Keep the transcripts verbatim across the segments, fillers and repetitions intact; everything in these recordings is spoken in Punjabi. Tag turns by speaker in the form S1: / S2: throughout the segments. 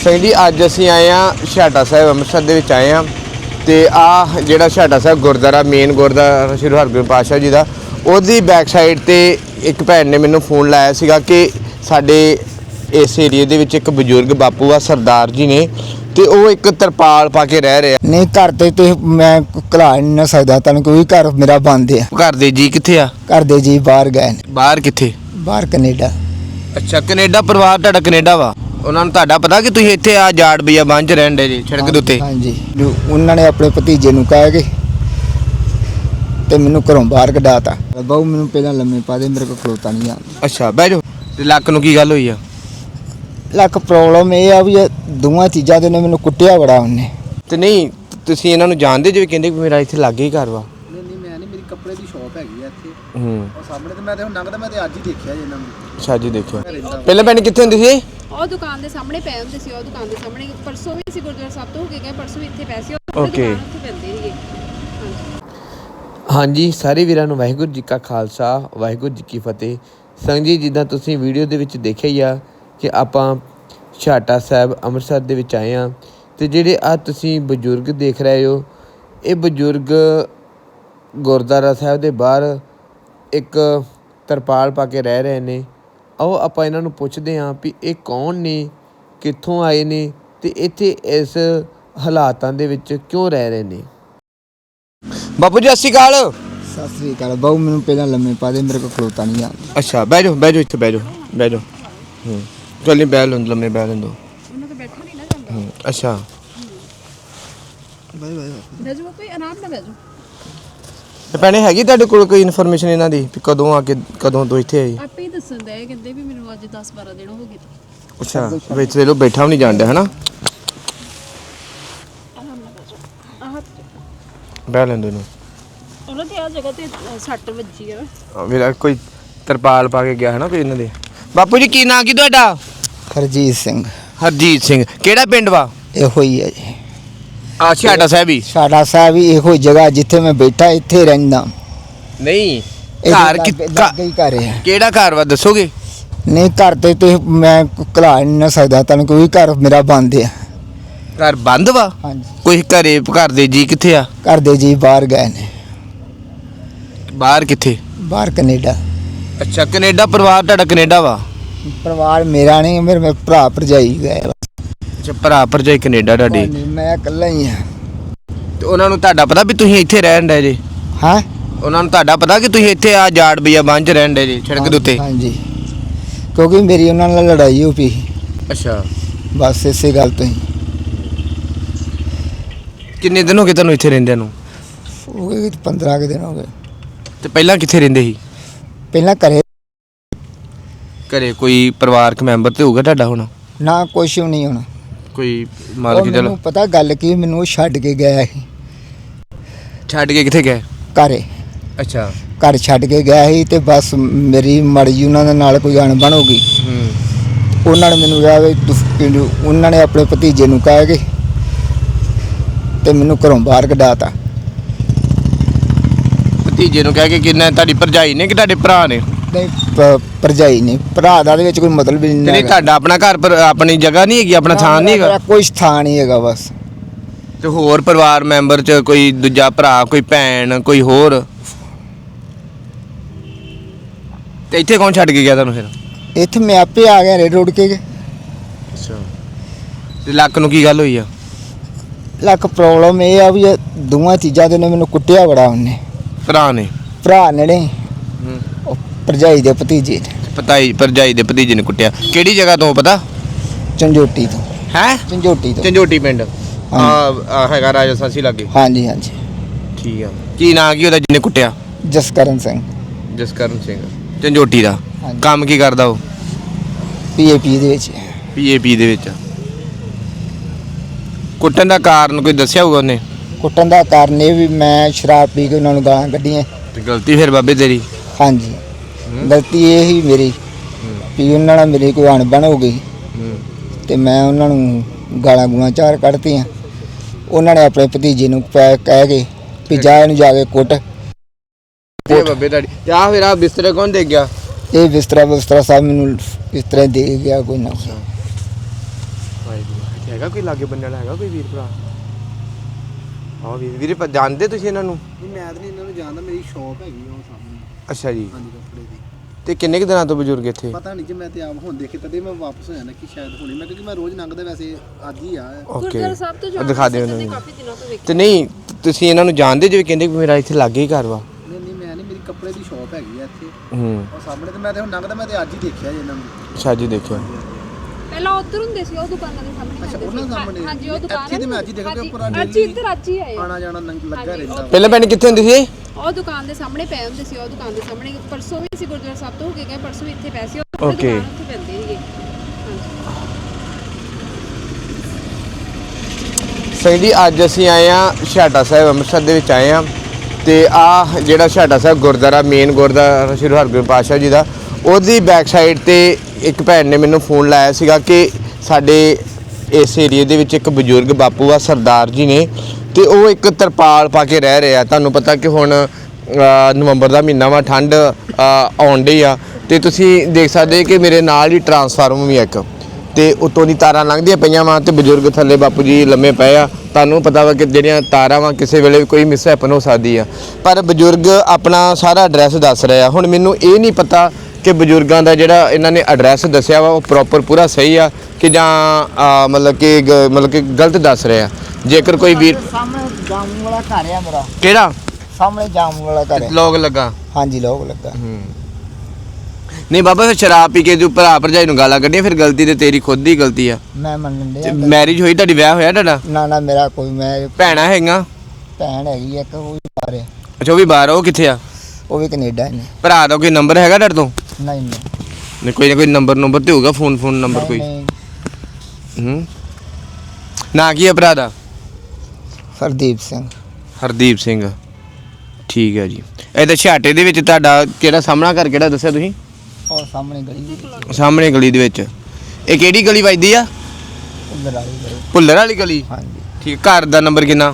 S1: ਸਿੰਘ जी अज असी आए हाँ छाटा साहिब अमृतसर दे विच आए हाँ तो आ जिहड़ा छाटा साहिब गुरुद्वारा मेन गुरुद्वारा श्री हरगोबिंद पातशाह जी का उहदी बैक साइड ते एक भैन ने मैनूं फोन लाया सीगा कि साडे इस एरिए दे विच एक बजुर्ग बापू आ सरदार जी ने तो वो एक तरपाल पा के रह रहे
S2: नहीं घर ते ते मैं घला नहीं ना सकदा तुहानूं क्योंकि घर मेरा बंद है।
S1: घर दे जी कित्थे आ?
S2: घर दे जी बाहर गए ने।
S1: बाहर कित्थे?
S2: बाहर कनेडा।
S1: अच्छा कनेडा परिवार तुहाडा कनेडा वा उन्होंने तुहाडा पता कि तुसीं इत्थे आ जाड़ बिया बंज रहण दे जी सड़क दे उत्ते?
S2: हाँ जी उन्होंने अपने भतीजे नूं कह के ते मैनूं घरों बाहर कढाता। बहु मैनूं पहलां लम्मे पा दे मेरे कोल खलोता नहीं आंदा।
S1: अच्छा बह जाओ ते लक्क नूं की गल होई आ?
S2: लक प्रॉब्लम ये आ भी दोवां चीज़ां दे ने मैनूं कुट्टिया बड़ा उन्हें।
S1: ते नहीं तुसीं इन्हां नूं जाणदे जे कहंदे कि मेरा इत्थे लागे ही घर वा?
S3: नहीं नहीं मैं नहीं मेरी कपड़े की शॉप हैगी है इत्थे
S1: हूँ
S3: और सामने तो मैं तो लंघदा मैं तो अज ही देखिया जी इन्हां नूं।
S1: अच्छा जी देखियो ਪਹਿਲਾਂ ਭੈਣ ਕਿੱਥੇ ਹੁੰਦੀ ਸੀ?
S4: ਉਹ ਦੁਕਾਨ ਦੇ ਸਾਹਮਣੇ ਪਏ ਹੁੰਦੇ ਸੀ। ਉਹ ਦੁਕਾਨ ਦੇ ਸਾਹਮਣੇ ਪਰਸੋਂ ਵੀ ਸੀ ਗੁਰਦੁਆਰਾ ਸਾਹਿਬ ਤੋਂ ਹੋ ਕੇ ਗਏ ਪਰਸੋਂ ਵੀ ਇੱਥੇ ਪਏ ਸੀ। ਉਹ
S1: ਓਕੇ
S4: ਉੱਥੇ ਪੈਂਦੇ ਸੀਗੇ। ਹਾਂਜੀ
S1: ਹਾਂਜੀ ਸਾਰੇ ਵੀਰਾਂ ਨੂੰ ਵਾਹਿਗੁਰੂ ਜੀ ਕਾ ਖਾਲਸਾ ਵਾਹਿਗੁਰੂ ਜੀ ਕੀ ਫਤਿਹ। ਸੰਗ ਜੀ ਜਿੱਦਾਂ ਤੁਸੀਂ ਵੀਡੀਓ ਦੇ ਵਿੱਚ ਦੇਖਿਆ ਹੀ ਆ ਕਿ ਆਪਾਂ ਛਾਟਾ ਸਾਹਿਬ ਅੰਮ੍ਰਿਤਸਰ ਦੇ ਵਿੱਚ ਆਏ ਹਾਂ ਅਤੇ ਜਿਹੜੇ ਆ ਤੁਸੀਂ ਬਜ਼ੁਰਗ ਦੇਖ ਰਹੇ ਹੋ ਇਹ ਬਜ਼ੁਰਗ ਗੁਰਦੁਆਰਾ ਸਾਹਿਬ ਦੇ ਬਾਹਰ ਇੱਕ ਤਰਪਾਲ ਪਾ ਕੇ ਰਹਿ ਰਹੇ ਨੇ। ਆਓ ਆਪਾਂ ਇਹਨਾਂ ਨੂੰ ਪੁੱਛਦੇ ਹਾਂ ਵੀ ਇਹ ਕੌਣ ਨੇ, ਕਿੱਥੋਂ ਆਏ ਨੇ ਅਤੇ ਇੱਥੇ ਇਸ ਹਾਲਾਤਾਂ ਦੇ ਵਿੱਚ ਕਿਉਂ ਰਹਿ ਰਹੇ ਨੇ। ਬਾਪੂ ਜੀ ਸਤਿ ਸ਼੍ਰੀ ਅਕਾਲ।
S2: सत श्री अकाल। बहु मैनूं पहलां लम्मे पा दे मेरे कोल खलोता नहीं आंदा।
S1: ਅੱਛਾ ਬਹਿ ਜਾਓ ਬਹਿ ਜਾਓ ਇੱਥੇ ਬਹਿ ਜਾਓ ਬਹਿ ਜਾਓ ਹੂੰ ਚੱਲ ਨਹੀਂ ਬਹਿ ਲੈਂਦੋ ਲੰਮੇ ਬਹਿ ਲੈਂਦੋ
S4: ਉਹਨਾਂ ਤੋਂ ਬੈਠਾ ਨਹੀਂ ਨਾ ਜਾਂਦਾ।
S1: ਹੂੰ ਅੱਛਾ
S4: ਬੈਜੋ ਕੋਈ ਆਰਾਮ ਨਾਲ ਬੈਜੋ।
S1: ਤੇ ਭੈਣੇ ਹੈਗੀ ਤੁਹਾਡੇ ਕੋਲ ਕੋਈ ਇਨਫੋਰਮੇਸ਼ਨ ਇਹਨਾਂ ਦੀ ਵੀ ਕਦੋਂ ਆ ਕੇ ਕਦੋਂ ਤੋਂ ਇੱਥੇ ਆਈ?
S4: ਆਪੇ ਹੀ ਦੱਸਣ ਦਾ ਕਹਿੰਦੇ ਵੀ ਮੈਨੂੰ ਅੱਜ ਦਸ ਬਾਰਾਂ ਦਿਨ ਹੋ ਗਏ।
S1: ਅੱਛਾ ਵਿੱਚ ਦੇ ਲੋ ਬੈਠਾ ਵੀ ਨਹੀਂ ਜਾਣ ਡਿਆ ਹਨਾ।
S4: ਆਰਾਮ ਨਾਲ ਬੈਜੋ। ਆਹ
S1: ਬਹਿ ਲੈਂਦੋ ਇਹਨੂੰ।
S4: ਉਹਨਾਂ ਦੀ ਆ ਜਗ੍ਹਾ ਤੇ ਸੱਟ ਵੱਜੀ ਆ।
S1: ਆ ਮੇਰਾ ਕੋਈ ਤਰਪਾਲ ਪਾ ਕੇ ਗਿਆ ਹੈ ਨਾ ਕੋਈ ਇਹਨਾਂ ਦੇ। ਬਾਪੂ ਜੀ ਕੀ ਨਾਂ ਕੀ ਤੁਹਾਡਾ?
S2: हरजीत सिंह।
S1: ਹਰਜੀਤ ਸਿੰਘ। ਕਿਹੜਾ ਪਿੰਡ ਵਾ?
S2: ਇਹੋ ਹੀ ਹੈ ਜੀ
S1: ਆ ਛਾਟਾ ਸਾਹਿਬ ਹੀ?
S2: ਸਾਡਾ ਸਾਹਿਬ ਹੀ ਇਹੋ ਜਗ੍ਹਾ ਜਿੱਥੇ ਮੈਂ ਬੈਠਾ ਇੱਥੇ ਰਹਿੰਦਾ।
S1: ਨਹੀਂ
S2: ਇਹਦੇ
S1: ਘਰ
S2: ਲਾਗੇ-
S1: ਕਿ
S2: ਲਾਗੇ ਹੀ ਘਰ ਹੈ।
S1: ਕਿਹੜਾ ਘਰ ਵਾ ਦੱਸੋਗੇ?
S2: ਨਹੀਂ ਘਰ ਤੇ ਤੇ ਮੈਂ ਘਲਾ ਨਹੀਂ ਨਾ ਸਕਦਾ ਤੁਹਾਨੂੰ ਕਿਉਂਕਿ ਘਰ ਮੇਰਾ ਬੰਦ ਹੈ।
S1: ਘਰ ਬੰਦ ਵਾ?
S2: ਹਾਂਜੀ
S1: ਕੋਈ ਘਰੇ ਘਰ ਦੇ ਜੀ ਕਿੱਥੇ ਆ?
S2: ਘਰ ਦੇ ਜੀ ਬਾਹਰ ਗਏ ਨੇ।
S1: ਬਾਹਰ ਕਿੱਥੇ?
S2: ਬਾਹਰ ਕੈਨੇਡਾ।
S1: ਅੱਛਾ ਕੈਨੇਡਾ ਪਰਿਵਾਰ ਤੁਹਾਡਾ ਕੈਨੇਡਾ ਵਾ?
S2: ਪਰਿਵਾਰ ਮੇਰਾ ਨਹੀਂ ਮੇਰੇ ਮੇਰੇ ਭਰਾ ਭਰਜਾਈ ਗਏ।
S1: ਅੱਛਾ ਭਰਾ ਭਰਜਾਈ ਕੈਨੇਡਾ ਤੁਹਾਡੇ?
S2: ਮੈਂ ਇਕੱਲਾ ਹੀ ਹਾਂ।
S1: ਤੇ ਉਹਨਾਂ ਨੂੰ ਤੁਹਾਡਾ ਪਤਾ ਵੀ ਤੁਸੀਂ ਇੱਥੇ ਰਹਿਣ ਡਏ ਜੇ?
S2: ਹਾਂ
S1: ਉਹਨਾਂ ਨੂੰ ਤੁਹਾਡਾ ਪਤਾ ਕਿ ਤੁਸੀਂ ਇੱਥੇ ਆ ਜਾੜ ਬਿਆ ਬੰਜ ਰਹਿਣ ਡਏ ਜੇ ਸੜਕ ਦੇ ਉੱਤੇ?
S2: ਹਾਂਜੀ ਕਿਉਂਕਿ ਮੇਰੀ ਉਹਨਾਂ ਨਾਲ ਲੜਾਈ ਹੋ ਪਈ
S1: ਅੱਛਾ
S2: ਬਸ ਇਸੇ ਗੱਲ ਤੋਂ ਹੀ।
S1: ਕਿੰਨੇ ਦਿਨ ਹੋ ਗਏ ਤੁਹਾਨੂੰ ਇੱਥੇ ਰਹਿੰਦਿਆਂ ਨੂੰ?
S2: ਹੋ ਗਏ ਪੰਦਰਾਂ ਕੁ ਦਿਨ ਹੋ ਗਏ।
S1: ਤੇ ਪਹਿਲਾਂ ਕਿੱਥੇ ਰਹਿੰਦੇ ਸੀ?
S2: ਪਹਿਲਾਂ ਘਰੇ
S1: ਘਰੇ ਕੋਈ ਪਰਿਵਾਰਕ ਮੈਂਬਰ ਤੇ ਹੋਊਗਾ ਤੁਹਾਡਾ ਹੁਣ?
S2: ਨਾ ਕੁਛ ਵੀ ਨਹੀਂ ਹੋਣਾ।
S1: ਕੋਈ ਮਾਲਕ ਜਲ
S2: ਮੈਨੂੰ ਪਤਾ ਗੱਲ ਕੀ ਮੈਨੂੰ ਉਹ ਛੱਡ ਕੇ ਗਿਆ ਸੀ
S1: ਛੱਡ ਕੇ ਕਿੱਥੇ ਗਏ?
S2: ਘਰੇ।
S1: ਅੱਛਾ
S2: ਘਰ ਛੱਡ ਕੇ ਗਿਆ ਸੀ ਤੇ ਬਸ ਮੇਰੀ ਮਰਜ਼ੀ ਉਹਨਾਂ ਦੇ ਨਾਲ ਕੋਈ ਅਣਬਣ ਹੋ ਗਈ।
S1: ਹੂੰ
S2: ਉਹਨਾਂ ਨੇ ਮੈਨੂੰ ਕਿਹਾ ਵੀ ਤੂੰ ਪਿੰਡੋਂ- ਉਹਨਾਂ ਨੇ ਆਪਣੇ ਭਤੀਜੇ ਨੂੰ ਕਹਿ ਕੇ ਤੇ ਮੈਨੂੰ ਘਰੋਂ ਬਾਹਰ ਕਢਾਤਾ।
S1: ਭਤੀਜੇ ਨੂੰ ਕਹਿ ਕੇ ਕਿੰਨਾ ਤੁਹਾਡੀ ਭਰਜਾਈ ਨੇ ਕਿ ਤੁਹਾਡੇ ਭਰਾ ਨੇ?
S2: ਨਹੀਂ ਭ- ਭਰਜਾਈ ਨਹੀਂ ਭਰਾ ਦਾ ਦੇ ਵਿੱਚ ਕੋਈ ਮਤਲਬ ਹੀ
S1: ਤੇ
S2: ਨਹੀਂ
S1: ਨਹੀਂ
S2: ਹੈਗਾ।
S1: ਤੁਹਾਡਾ ਆਪਣਾ ਘਰ ਪਰ ਆਪਣੀ ਜਗ੍ਹਾ ਨਹੀਂ ਹੈਗੀ ਆਪਣਾ ਥਾਂ ਨਹੀਂ ਹੈਗਾ?
S2: ਮੇਰਾ ਕੋਈ ਸਥਾਨ ਨਹੀਂ ਹੈਗਾ ਬਸ।
S1: ਤੇ ਹੋਰ ਪਰਿਵਾਰ ਮੈਂਬਰ ਚ ਕੋਈ ਦੂਜਾ ਭਰਾ ਕੋਈ ਭੈਣ ਕੋਈ ਹੋਰ? ਤੇ ਇੱਥੇ ਕੌਣ ਛੱਡ ਕੇ ਗਿਆ ਤੁਹਾਨੂੰ ਫਿਰ?
S2: ਇੱਥੇ ਮੈਂ ਆਪੇ ਆ ਗਿਆ ਰੇਡ ਰੋਡ ਕੇ।
S1: ਅੱਛਾ ਤੇ ਲੱਕ ਨੂੰ ਕੀ ਗੱਲ ਹੋਈ ਆ?
S2: ਲੱਕ ਪ੍ਰੋਬਲਮ ਇਹ ਆ ਵੀ ਦੋਵਾਂ ਚੀਜ਼ਾਂ ਦੇ ਨੇ ਮੈਨੂੰ ਕੁੱਟਿਆ ਬੜਾ ਉਹਨੇ।
S1: ਭਰਾ ਨੇ?
S2: ਭਰਾ ਨੇ ਨਹੀਂ
S1: ਹੂੰ
S2: ਉਹ ਭਰਜਾਈ ਦੇ ਭਤੀਜੇ ਨੇ।
S1: ਪਤਾਈ ਭਰਜਾਈ ਦੇ ਭਤੀਜੇ ਨੇ ਕੁੱਟਿਆ। ਕਿਹੜੀ ਜਗ੍ਹਾ ਤੋਂ ਪਤਾ?
S2: ਝੰਜੋਟੀ ਤੋਂ।
S1: ਹੈ
S2: ਝੰਜੋਟੀ ਤੋਂ।
S1: ਝੰਜੋਟੀ ਪਿੰਡ ਆ ਹੈਗਾ ਰਾਜਾ ਸਾਸੀ ਲਾਗੇ?
S2: ਹਾਂਜੀ ਹਾਂਜੀ।
S1: ਠੀਕ ਆ ਕੀ ਨਾਂ ਕੀ ਉਹਦਾ ਜਿਹਨੇ ਕੁੱਟਿਆ?
S2: ਜਸਕਰਨ ਸਿੰਘ।
S1: ਜਸਕਰਨ ਸਿੰਘ ਝੰਜੋਟੀ ਦਾ।
S2: ਹਾਂਜੀ।
S1: ਕੰਮ ਕੀ ਕਰਦਾ ਉਹ?
S2: ਪੀਏਪੀ ਦੇ ਵਿੱਚ।
S1: ਪੀਏਪੀ ਦੇ ਵਿੱਚ। ਕੁੱਟਣ ਦਾ ਕਾਰਨ ਕੋਈ ਦੱਸਿਆ ਹੋਊਗਾ ਉਹਨੇ?
S2: ਕੁੱਟਣ ਦਾ ਕਾਰਨ ਇਹ ਵੀ ਮੈਂ ਸ਼ਰਾਬ ਪੀ ਕੇ ਉਹਨਾਂ ਨੂੰ ਗਾਲਾਂ ਕੱਢੀਆਂ।
S1: ਤੇ ਗਲਤੀ ਫਿਰ ਬਾਬੇ ਤੇਰੀ?
S2: ਹਾਂਜੀ ਗਲਤੀ ਇਹ ਹੀ ਮੇਰੀ ਵੀ ਉਹਨਾਂ ਨਾਲ ਮੇਰੀ ਕੋਈ ਅਣਬਣ ਹੋ ਗਈ ਤੇ ਮੈਂ ਉਹਨਾਂ ਨੂੰ ਗਾਲਾਂ ਗੂਲਾਂ ਚਾਰ ਕੱਢਤੀਆਂ। ਉਹਨਾਂ ਨੇ ਆਪਣੇ ਭਤੀਜੇ ਨੂੰ ਪੈ ਕਹਿ ਕੇ ਵੀ ਜਾ ਇਹਨੂੰ ਜਾ ਕੇ ਕੁੱਟ।
S1: ਤੇ ਬਾਬੇ ਤੁਹਾਡੀ ਤੇ ਆ ਫਿਰ ਆ ਬਿਸਤਰੇ ਕੌਣ ਦੇ ਗਿਆ?
S2: ਇਹ ਬਿਸਤਰਾ ਬਿਸਤਰਾ ਸਾਹਿਬ ਮੈਨੂੰ ਇਸ ਤਰ੍ਹਾਂ ਦੇ ਗਿਆ ਕੋਈ ਨਾ।
S1: ਵਾਹਿਗੁਰੂ। ਇੱਥੇ ਹੈਗਾ ਕੋਈ ਲਾਗੇ ਬੰਨੇ ਵਾਲਾ ਹੈਗਾ ਕੋਈ ਵੀਰ ਭਰਾ? ਹਾਂ ਵੀਰ ਵੀਰੇ ਪ- ਜਾਣਦੇ ਤੁਸੀਂ ਇਹਨਾਂ ਨੂੰ?
S3: ਨਹੀਂ ਮੈਂ ਤਾਂ ਨਹੀਂ ਇਹਨਾਂ ਨੂੰ ਜਾਣਦਾ, ਮੇਰੀ ਸ਼ਾਪ ਹੈਗੀ ਆ ਉਹ ਸਾਹਮਣੇ।
S1: ਅੱਛਾ ਜੀ।
S3: ਹਾਂਜੀ ਕੱਪੜੇ ਦੀ।
S1: ਤੇ ਕਿੰਨੇ ਕੁ ਦਿਨਾਂ ਤੋਂ ਬਜ਼ੁਰਗ ਇੱਥੇ?
S3: ਪਤਾ ਨਹੀਂ ਜੀ, ਮੈਂ ਤੇ ਆਪ ਹੁਣ ਦੇਖੇ ਤਦੇ ਮੈਂ ਵਾਪਸ ਹੋ ਜਾਣਾ ਕਿ ਸ਼ਾਇਦ ਹੁਣੇ, ਮੈਂ ਕਿਉਂਕਿ ਮੈਂ ਰੋਜ਼ ਲੰਘਦਾ ਵੈਸੇ ਅੱਜ ਹੀ ਆ।
S1: ਓਕੇ
S4: ਗੁਰਦੁਆਰਾ ਸਾਹਿਬ ਤੋਂ ਜਾਣ
S1: ਦਿਖਾ ਦਿਓ
S4: ਵਾਸਤੇ
S1: ਇਹਨਾਂ ਨੂੰ।
S4: ਕਾਫੀ ਦਿਨਾਂ ਤੋਂ ਵੇਖ
S1: ਤੇ ਨਹੀਂ ਤੁਸੀਂ ਇਹਨਾਂ ਨੂੰ ਜਾਣਦੇ ਜਿਵੇਂ ਕਹਿੰਦੇ ਕਿ ਮੇਰਾ ਇੱਥੇ ਲਾਗੇ ਹੀ ਘਰ ਵਾ?
S3: ਨਹੀਂ ਨਹੀਂ ਮੈਂ ਨਹੀਂ, ਮੇਰੀ ਕੱਪੜੇ ਦੀ ਸ਼ਾਪ ਹੈਗੀ ਆ ਇੱਥੇ
S1: ਹੂੰ
S3: ਉਹ ਸਾਹਮਣੇ, ਤੇ ਮੈਂ ਤੇ ਹੁਣ ਲੰਘਦਾ ਮੈਂ ਤੇ ਅੱਜ ਹੀ ਦੇਖਿਆ ਜੀ ਇਹਨਾਂ ਨੂੰ।
S1: ਅੱਛਾ ਜੀ ਦੇਖਿਓ।
S4: ਪਹਿਲਾਂ ਉੱਧਰ ਹੁੰਦੇ ਸੀ ਉਹ ਦੁਕਾਨਾਂ ਦੇ ਸਾਹਮਣੇ
S3: ਅੱਛਾ,
S4: ਹੁੰਦੇ
S3: ਉਹਨਾਂ
S4: ਸੀ।
S3: ਸਾਹਮਣੇ?
S4: ਹਾਂਜੀ ਉਹ ਦੁਕਾਨ
S3: ਇੱਥੇ ਤੇ ਮੈਂ ਅੱਜ ਹੀ ਦੇਖਿਆ ਕਿ ਉੱਪਰ
S4: ਅੱਜ ਹੀ ਇੱਧਰ ਅੱਜ ਹੀ ਆਏ
S3: ਆਣਾ ਜਾਣਾ ਨੰਗ- ਲੱਗਾ
S4: ਹਾਂਜੀ,
S3: ਰਹਿੰਦਾ।
S1: ਪਹਿਲਾਂ ਭੈਣ ਕਿੱਥੇ ਹੁੰਦੀ ਸੀ?
S4: ਉਹ ਦੁਕਾਨ ਦੇ ਸਾਹਮਣੇ ਪਏ ਹੁੰਦੇ ਸੀ, ਉਹ ਦੁਕਾਨ ਦੇ ਸਾਹਮਣੇ ਪਰਸੋਂ ਵੀ ਸੀ ਗੁਰਦੁਆਰਾ ਸਾਹਿਬ ਤੋਂ ਹੋ ਕੇ ਗਏ, ਪਰਸੋਂ ਵੀ ਇੱਥੇ ਪਏ ਸੀ। ਉਹ
S1: Okay.
S4: ਦੁਕਾਨ ਉੱਥੇ ਪੈਂਦੇ ਸੀਗੇ।
S1: ਸਿੰਘ ਜੀ ਅੱਜ ਅਸੀਂ ਆਏ ਆ ਛਾਟਾ ਸਾਹਿਬ ਅੰਮ੍ਰਿਤਸਰ ਦੇ ਵਿੱਚ ਆਏ ਆ ਤੇ ਆ ਜਿਹੜਾ ਛਾਟਾ ਸਾਹਿਬ ਗੁਰਦੁਆਰਾ ਮੇਨ ਗੁਰਦੁਆਰਾ ਸ਼੍ਰੀ ਹਰਗੋਬਿੰਦ ਪਾਤਸ਼ਾਹ ਜੀ ਦਾ, ਉਹਦੀ ਬੈਕ ਸਾਈਡ ਤੇ ਇੱਕ ਭੈਣ ਨੇ ਮੈਨੂੰ ਫੋਨ ਲਾਇਆ ਸੀਗਾ ਕਿ ਸਾਡੇ ਇਸ ਏਰੀਏ ਦੇ ਵਿੱਚ ਇੱਕ ਬਜ਼ੁਰਗ ਬਾਪੂ ਆ ਸਰਦਾਰ ਜੀ ਨੇ ਤੇ ਉਹ ਇੱਕ ਤਰਪਾਲ ਪਾ ਕੇ ਰਹਿ ਰਹੇ ਆ। ਤੁਹਾਨੂੰ ਪਤਾ ਕਿ ਹੁਣ ਅ, ਨਵੰਬਰ ਦਾ ਮਹੀਨਾ ਵਾ, ਠੰਡ ਅ, ਆਉਣ ਡਈ ਆ ਤੇ ਤੁਸੀਂ ਦੇਖ ਸਕਦੇ ਕਿ ਮੇਰੇ ਨਾਲ ਹੀ ਟਰਾਂਸਫਾਰਮਰ ਵੀ ਆ ਇੱਕ ਤੇ ਉੱਤੋਂ ਦੀ ਤਾਰਾਂ ਲੰਘਦੀਆਂ ਪਈਆਂ ਵਾ ਤੇ ਬਜ਼ੁਰਗ ਥੱਲੇ ਬਾਪੂ ਜੀ ਲੰਮੇ ਪਏ ਆ। ਤੁਹਾਨੂੰ ਪਤਾ ਵਾ ਕਿ ਜਿਹੜੀਆਂ ਤਾਰਾਂ ਵਾ ਕਿਸੇ ਵੇਲੇ ਵੀ ਕੋਈ ਮਿਸਹੈਪਨ ਹੋ ਸਕਦੀ ਆ, ਪਰ ਬਜ਼ੁਰਗ ਆਪਣਾ ਸਾਰਾ ਐਡਰੈਸ ਦੱਸ ਰਹੇ ਆ। ਹੁਣ ਮੈਨੂੰ ਇਹ ਨਹੀਂ ਪਤਾ ਕਿ ਬਜ਼ੁਰਗਾਂ ਦਾ ਜਿਹੜਾ ਇਹਨਾਂ ਨੇ ਐਡਰੈਸ ਦੱਸਿਆ ਵਾ ਉਹ ਪ੍ਰੋਪਰ ਪੂਰਾ ਸਹੀ ਆ ਕਿ ਜਾਂ ਅ, ਮਤਲਬ ਕਿ ਗ- ਮਤਲਬ ਕਿ ਗਲਤ ਦੱਸ ਰਹੇ ਆ। ਜੇਕਰ ਕੋਈ ਵੀਰ
S2: ਸਾਹਮਣੇ ਜਾਮੂ ਵਾਲਾ ਘਰ ਆ ਮੇਰਾ,
S1: ਕਿਹੜਾ
S2: ਸਾਹਮਣੇ ਜਾਮੂ ਵਾਲਾ ਘਰ ਹੈ।
S1: ਲੋਗ ਲੱਗਾ?
S2: ਹਾਂਜੀ ਲੋਕ ਲੱਗਾ।
S1: ਨਹੀਂ ਬਾਬਾ ਫਿਰ ਸ਼ਰਾਬ ਪੀ ਕੇ ਜੋ ਭਰਾ ਭਰਜਾਈ ਨੂੰ ਗਾਲਾਂ ਕੱਢੀਆਂ, ਫਿਰ ਗਲਤੀ ਤੇ ਤੇਰੀ ਖੁਦ ਦੀ ਗਲਤੀ ਆ।
S2: ਮੈਂ ਮੰਨਣ ਡਿਆ।
S1: ਮੈਰਿਜ ਹੋਈ ਤੁਹਾਡੀ, ਵਿਆਹ ਹੋਇਆ ਤੁਹਾਡਾ?
S2: ਨਾ ਨਾ ਮੇਰਾ ਕੋਈ, ਮੈਂ
S1: ਭੈਣਾਂ ਹੈਗੀਆਂ?
S2: ਭੈਣ ਹੈਗੀ ਇੱਕ, ਉਹ ਵੀ ਬਾਹਰ ਹੈ।
S1: ਅੱਛਾ ਉਹ ਵੀ ਬਾਹਰ ਆ, ਉਹ ਕਿੱਥੇ ਆ?
S2: ਉਹ ਵੀ ਕੈਨੇਡਾ ਨੇ।
S1: ਭਰਾ ਦਾ ਕੋਈ ਨੰਬਰ ਹੈਗਾ ਤੁਹਾਡੇ ਤੋਂ?
S2: ਨਹੀਂ ਨਹੀਂ
S1: ਨਹੀਂ ਕੋਈ ਨਾ ਕੋਈ ਨੰਬਰ ਨੰਬਰ ਤੇ ਹੋਊਗਾ, ਫੋਨ ਫੋਨ ਨੰਬਰ ਕੋਈ।
S2: ਨਹੀਂ,
S1: ਹੂੰ ਨਾਂ ਕੀ ਹੈ ਭਰਾ ਦਾ?
S2: ਹਰਦੀਪ ਸਿੰਘ।
S1: ਹਰਦੀਪ ਸਿੰਘ, ਠੀਕ ਹੈ ਜੀ। ਇਹ ਤਾਂ ਛਾਟੇ ਦੇ ਵਿੱਚ ਤੁਹਾਡਾ ਕਿਹੜਾ ਸਾਹਮਣਾ ਘਰ ਕਿਹੜਾ ਦੱਸਿਆ ਤੁਸੀਂ?
S2: ਉਹ ਸਾਹਮਣੇ ਗਲੀ,
S1: ਸਾਹਮਣੇ ਗਲੀ ਦੇ ਵਿੱਚ। ਇਹ ਕਿਹੜੀ ਗਲੀ ਵੱਜਦੀ ਆ?
S2: ਉਧਰ ਵਾਲੀ ਗਲੀ।
S1: ਭੁੱਲਰ ਵਾਲੀ ਗਲੀ?
S2: ਹਾਂਜੀ
S1: ਠੀਕ। ਘਰ ਦਾ ਨੰਬਰ ਕਿੰਨਾ?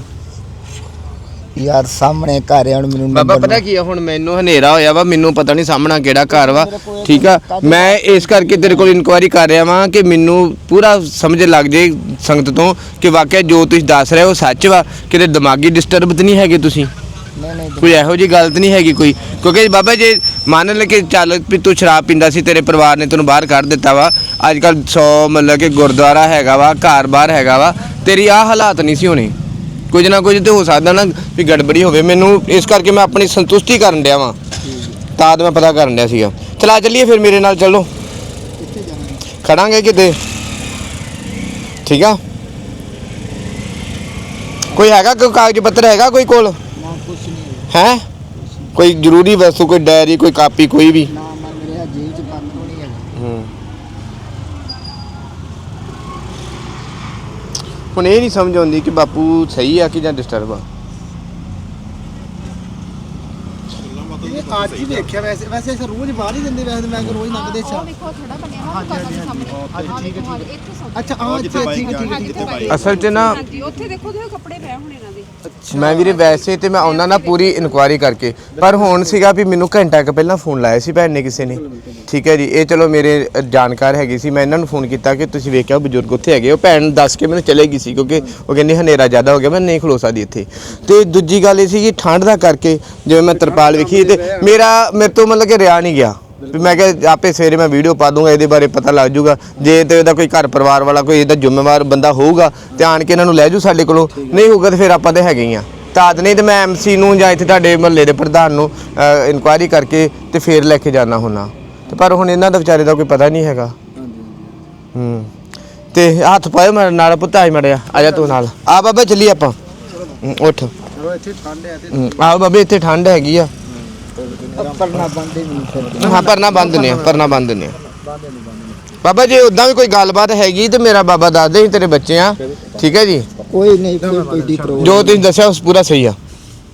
S2: ਯਾਰ ਸਾਹਮਣੇ ਘਰ ਹੈ, ਹੁਣ ਮੈਨੂੰ
S1: ਬਾਬਾ
S2: number
S1: ਪਤਾ ਕੀ ਆ, ਹੁਣ ਮੈਨੂੰ ਹਨੇਰਾ ਹੋਇਆ ਵਾ, ਮੈਨੂੰ ਪਤਾ ਨਹੀਂ ਸਾਹਮਣਾ ਕਿਹੜਾ ਘਰ ਵਾ, ਠੀਕ ਆ। ਮੈਂ ਇਸ ਕਰਕੇ ਤੇਰੇ ਕੋਲ ਇਨਕੁਆਇਰੀ ਕਰ ਰਿਹਾ ਵਾਂ ਕਿ ਮੈਨੂੰ ਪੂਰਾ ਸਮਝ ਲੱਗ ਜੇ ਸੰਗਤ ਤੋਂ ਕਿ ਵਾਕਿਆ ਜੋ ਤੁਸੀਂ ਦੱਸ ਰਹੇ ਹੋ ਸੱਚ ਵਾ, ਕਿਤੇ ਦਿਮਾਗੀ ਡਿਸਟਰਬ ਤਾਂ ਨਹੀਂ ਹੈਗੇ ਤੁਸੀਂ?
S2: ਨਹੀਂ ਨਹੀਂ
S1: ਕੋਈ ਇਹੋ ਜਿਹੀ ਗਲਤ ਨਹੀਂ ਹੈਗੀ ਕੋਈ? ਕਿਉਂਕਿ ਬਾਬਾ ਜੇ ਮੰਨ ਲੈ ਕਿ ਚੱਲ ਵੀ ਤੂੰ ਸ਼ਰਾਬ ਪੀਂਦਾ ਸੀ, ਤੇਰੇ ਪਰਿਵਾਰ ਨੇ ਤੈਨੂੰ ਬਾਹਰ ਕੱਢ ਦਿੱਤਾ ਵਾ, ਅੱਜ ਕੱਲ ਸੌ ਮਤਲਬ ਕਿ ਗੁਰਦੁਆਰਾ ਹੈਗਾ ਵਾ, ਘਰ ਬਾਹਰ ਹੈਗਾ ਵਾ, ਤੇਰੀ ਆਹ ਹਾਲਾਤ ਨਹੀਂ ਸੀ ਹੋਣੇ। ਕੁਝ ਨਾ ਕੁਝ ਤੇ ਹੋ ਸਕਦਾ ਨਾ ਵੀ ਗੜਬੜੀ ਹੋਵੇ। ਮੈਨੂੰ ਇਸ ਕਰਕੇ ਮੈਂ ਆਪਣੀ ਸੰਤੁਸ਼ਟੀ ਕਰਨ ਡਿਆ ਵਾਂ, ਤਾਂ ਮੈਂ ਪਤਾ ਕਰਨ ਡਿਆ ਸੀਗਾ। ਚਲਾ ਚੱਲੀਏ ਫਿਰ ਮੇਰੇ ਨਾਲ, ਚੱਲੋ ਖੜਾਂਗੇ ਕਿਤੇ, ਠੀਕ ਆ? ਕੋਈ ਹੈਗਾ ਕੋਈ ਕਾਗਜ਼ ਪੱਤਰ ਹੈਗਾ ਕੋਈ ਕੋਲ?
S2: ਨਾ ਕੁਛ ਨਹੀਂ
S1: ਹੈ ਕੋਈ ਜ਼ਰੂਰੀ ਵਸਤੂ, ਕੋਈ ਡਾਇਰੀ, ਕੋਈ ਕਾਪੀ, ਕੋਈ ਵੀ?
S2: ਨਾ ਮੈਂ ਮੇਰੇ ਜੇਬ ਚ ਬੰਦ ਹੋਣੀ ਹੈ।
S1: ਹੂੰ ਹੁਣ ਇਹ ਨਹੀਂ ਸਮਝ ਆਉਂਦੀ ਕਿ ਬਾਪੂ ਸਹੀ ਆ ਕਿ ਜਾਂ ਡਿਸਟਰਬ ਆ।
S3: ਇਹ ਅੱਜ ਹੀ ਦੇਖਿਆ ਵੈਸੇ, ਵੈਸੇ ਅਸੀਂ ਰੋਜ਼ ਬਾਹਰ ਹੀ ਦਿੰਦੇ, ਵੈਸੇ ਮੈਂ ਕਿ ਰੋਜ਼ ਲੰਘਦੇ
S4: ਉਹ ਵੇਖੋ ਥੋੜਾ ਬਣਿਆ ਹੋਇਆ ਦੁਕਾਨਾਂ ਦੇ ਸਾਹਮਣੇ।
S3: ਠੀਕ ਹੈ,
S4: ਇੱਥੇ ਸੌਦਾ।
S3: ਅੱਛਾ ਆਹ ਇੱਥੇ ਠੀਕ ਹੈ ਠੀਕ ਹੈ ਠੀਕ ਹੈ ਭਾਈ।
S1: ਅਸਲ 'ਚ ਨਾ
S4: ਹਾਂਜੀ ਉੱਥੇ ਦੇਖੋ ਤੁਸੀਂ ਕੱਪੜੇ ਪਏ ਹੋਣੇ ਇਹਨਾਂ ਦੇ।
S1: ਮੈਂ ਵੀਰੇ ਵੈਸੇ ਤੇ ਮੈਂ ਉਹਨਾਂ ਨਾਲ ਪੂਰੀ ਇਨਕੁਆਇਰੀ ਕਰਕੇ, ਪਰ ਹੁਣ ਸੀਗਾ ਵੀ ਮੈਨੂੰ ਘੰਟਾ ਕੁ ਪਹਿਲਾਂ ਫੋਨ ਲਾਇਆ ਸੀ ਭੈਣ ਨੇ ਕਿਸੇ ਨੇ, ਠੀਕ ਹੈ ਜੀ। ਇਹ ਚਲੋ ਮੇਰੇ ਜਾਣਕਾਰ ਹੈਗੀ ਸੀ, ਮੈਂ ਇਹਨਾਂ ਨੂੰ ਫੋਨ ਕੀਤਾ ਕਿ ਤੁਸੀਂ ਵੇਖਿਆ ਬਜ਼ੁਰਗ ਉੱਥੇ ਹੈਗੇ। ਉਹ ਭੈਣ ਦੱਸ ਕੇ ਮੈਨੂੰ ਚਲੇ ਗਈ ਸੀ ਕਿਉਂਕਿ ਉਹ ਕਹਿੰਦੀ ਹਨੇਰਾ ਜ਼ਿਆਦਾ ਹੋ ਗਿਆ, ਮੈਂ ਨਹੀਂ ਖਲੋ ਸਕਦੀ ਇੱਥੇ। ਤੇ ਦੂਜੀ ਗੱਲ ਇਹ ਸੀ ਕਿ ਠੰਡ ਦਾ ਕਰਕੇ ਜਿਵੇਂ ਮੈਂ ਤਰਪਾਲ ਵੇਖੀ ਤੇ ਮੇਰਾ ਮੇਰੇ ਤੋਂ ਮਤਲਬ ਕਿ ਰਿਆ ਨਹੀਂ ਗਿਆ ਵੀ ਮੈਂ ਕਿਹਾ ਆਪੇ ਸਵੇਰੇ ਮੈਂ ਵੀਡੀਓ ਪਾ ਦੂੰਗਾ, ਇਹਦੇ ਬਾਰੇ ਪਤਾ ਲੱਗ ਜਾਊਗਾ। ਜੇ ਤੇ ਇਹਦਾ ਕੋਈ ਘਰ ਪਰਿਵਾਰ ਵਾਲਾ ਕੋਈ ਇਹਦਾ ਜ਼ਿੰਮੇਵਾਰ ਬੰਦਾ ਹੋਊਗਾ ਤੇ ਆਣ ਕੇ ਇਹਨਾਂ ਨੂੰ ਲੈ ਜੂ ਸਾਡੇ ਕੋਲੋਂ, ਨਹੀਂ ਹੋਊਗਾ ਤੇ ਫਿਰ ਆਪਾਂ ਤੇ ਹੈਗੇ ਹੀ ਆ। ਤਾਂ ਨਹੀਂ ਤੇ ਮੈਂ ਐਮਸੀ ਨੂੰ ਜਾਂ ਇੱਥੇ ਤੁਹਾਡੇ ਮਹੱਲੇ ਦੇ ਪ੍ਰਧਾਨ ਨੂੰ ਇਨਕੁਆਇਰੀ ਕਰਕੇ ਤੇ ਫੇਰ ਲੈ ਕੇ ਜਾਣਾ ਹੁੰਦਾ। ਤੇ ਪਰ ਹੁਣ ਇਹਨਾਂ ਦਾ ਵਿਚਾਰੇ ਦਾ ਕੋਈ ਪਤਾ ਨਹੀਂ ਹੈਗਾ। ਹੂੰ ਤੇ ਹੱਥ ਪਾਇਓ ਮੇਰੇ ਨਾਲ, ਪੁੱਤ ਆਈ ਮੜਿਆ, ਆ ਜਾ ਤੂੰ ਨਾਲ ਆ ਬਾਬਾ, ਚੱਲੀ ਆਪਾਂ। ਹੂੰ, ਉੱਠ।
S3: ਚਲੋ ਇੱਥੇ ਠੰਡ ਹੈ ਤੇ
S1: ਹੂੰ, ਆਓ ਬਾਬੇ ਇੱਥੇ ਠੰਡ ਹੈਗੀ ਆ।
S2: ਪਰਨਾ ਬੰਦੇ ਨਹੀਂ ਫਿਰ
S1: ਹਾਂ ਪਰਨਾ ਬੰਦ ਨੇ, ਪਰਨਾ ਬੰਦ ਨੇ ਬਾਬਾ। ਜੇ ਉਦਾਂ ਵੀ ਕੋਈ ਗੱਲਬਾਤ ਹੈਗੀ ਤੇ ਮੇਰਾ ਬਾਬਾ ਦੱਸ ਦੇ, ਤੇਰੇ ਬੱਚੇ ਆ, ਠੀਕ ਹੈ ਜੀ।
S2: ਕੋਈ ਨਹੀਂ ਕੋਈ ਕੋਈ ਦੀ ਪ੍ਰੋਬਲਮ।
S1: ਜੋ ਤੁਸੀਂ ਦੱਸਿਆ ਉਸ ਪੂਰਾ ਸਹੀ ਆ।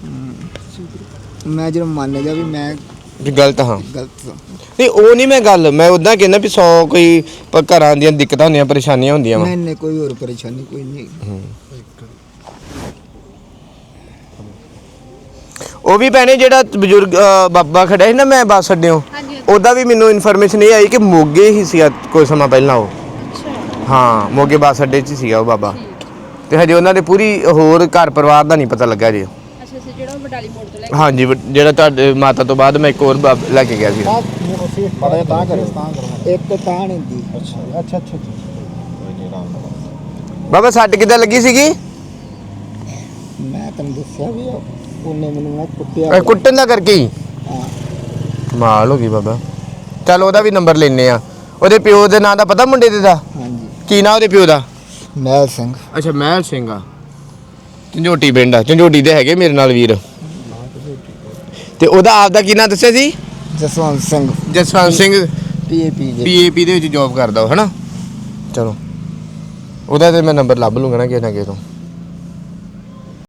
S2: ਮੈਂ ਜਦੋਂ ਮੰਨ ਗਿਆ ਵੀ ਮੈਂ
S1: ਵੀ ਗਲਤ ਹਾਂ,
S2: ਗਲਤ ਸਾਂ।
S1: ਨਹੀਂ ਉਹ ਨਹੀਂ ਮੈਂ ਗੱਲ, ਮੈਂ ਉਦਾਂ ਕਹਿੰਦਾ ਵੀ ਸੌ ਕੋਈ ਪ- ਘਰਾਂ ਦੀਆਂ ਦਿੱਕਤਾਂ ਹੁੰਦੀਆਂ, ਪਰੇਸ਼ਾਨੀਆਂ ਹੁੰਦੀਆਂ ਵਾ।
S2: ਨਹੀਂ ਨਹੀਂ ਕੋਈ ਹੋਰ ਪਰੇਸ਼ਾਨੀ ਕੋਈ ਨਹੀਂ।
S1: ਉਹ ਵੀ ਭੈਣੇ ਜਿਹੜਾ ਬਜ਼ੁਰਗ ਅ, ਬਾਬਾ ਖੜਾ ਸੀ ਨਾ ਮੈਂ ਬੱਸ ਅੱਡਿਓ,
S4: ਹਾਂਜੀ
S1: ਉਹਦਾ ਵੀ ਮੈਨੂੰ ਇਨਫੋਰਮੇਸ਼ਨ ਇਹ ਆਈ ਕਿ ਮੋਗੇ ਹੀ ਸੀ ਕੋਈ ਸਮਾਂ ਪਹਿਲਾਂ ਉਹ।
S4: ਅੱਛਾ
S1: ਹਾਂ ਮੋਗੇ ਬੱਸ ਅੱਡੇ 'ਚ ਸੀਗਾ ਉਹ ਬਾਬਾ ਤੇ ਹਜੇ ਉਹਨਾਂ ਦੇ ਪੂਰੀ ਹੋਰ ਘਰ ਪਰਿਵਾਰ ਦਾ ਨਹੀਂ ਪਤਾ ਲੱਗਾ ਜੀ।
S4: ਅੱਛਾ ਅੱਛਾ ਜਿਹੜਾ ਉਹ ਬਟਾਲੀ ਮੋੜ ਤੋਂ ਲੈ ਕੇ
S1: ਹਾਂਜੀ ਵ- ਜਿਹੜਾ ਤੁਹਾਡੇ ਮਾਤਾ ਤੋਂ ਬਾਅਦ ਮੈਂ ਇੱਕ ਹੋਰ ਬਾਬ- ਲੈ ਕੇ ਗਿਆ ਸੀ।
S3: ਪੜਾ ਤਾਂ ਕਰੇ ਤਾਂ ਕਰਵਾ
S2: ਇੱਕ ਤਾਂ ਨਹੀਂ ਦੀ
S3: ਅੱਛਾ ਅੱਛਾ ਅੱਛਾ
S1: ਬਾਬਾ ਸੱਟ ਕਿੱਦਾਂ ਲੱਗੀ ਸੀਗੀ?
S2: ਮੈਂ ਤੈਨੂੰ ਦੱਸਿਆ ਵੀ ਆ, ਉਹਨੇ ਮੈਨੂੰ ਨਾ ਕੁੱਟਿਆ
S1: ਇਹ ਕੁੱਟਣ ਦਾ ਕਰਕੇ ਹੀ
S2: ਹਾਂ।
S1: ਕਮਾਲ ਹੋ ਗਈ ਬਾਬਾ। ਚੱਲ ਉਹਦਾ ਵੀ ਨੰਬਰ ਲੈਨੇ ਆ। ਉਹਦੇ ਪਿਓ ਦੇ ਨਾਂ ਦਾ ਪਤਾ ਮੁੰਡੇ ਦੇ ਦਾ
S2: ਹਾਂਜੀ
S1: ਕੀ ਨਾਂ ਉਹਦੇ ਪਿਓ ਦਾ?
S2: ਮਹਿਲ ਸਿੰਘ।
S1: ਅੱਛਾ ਮਹਿਲ ਸਿੰਘ ਆ। ਝੰਜੋਟੀ ਪਿੰਡ ਆ। ਝੰਜੋਟੀ ਦੇ ਹੈਗੇ ਮੇਰੇ ਨਾਲ ਵੀਰ। ਤੇ ਉਹਦਾ ਆਪ ਦਾ ਕੀ ਨਾਂ ਦੱਸਿਆ ਸੀ?
S2: ਜਸਵੰਤ ਸਿੰਘ
S1: ਜਸਵੰਤ ਸਿੰਘ
S2: ਪੀਏਪੀ ਦੇ
S1: ਪੀਏਪੀ ਦੇ ਵਿੱਚ ਜੌਬ ਕਰਦਾ ਉਹ ਹਨਾ। ਚਲੋ ਉਹਦਾ ਤੇ ਮੈਂ ਨੰਬਰ ਲੱਭ ਲੂੰਗਾ ਨਾ ਕਿਸੇ ਨਾ ਕਿਸੇ ਤੋਂ।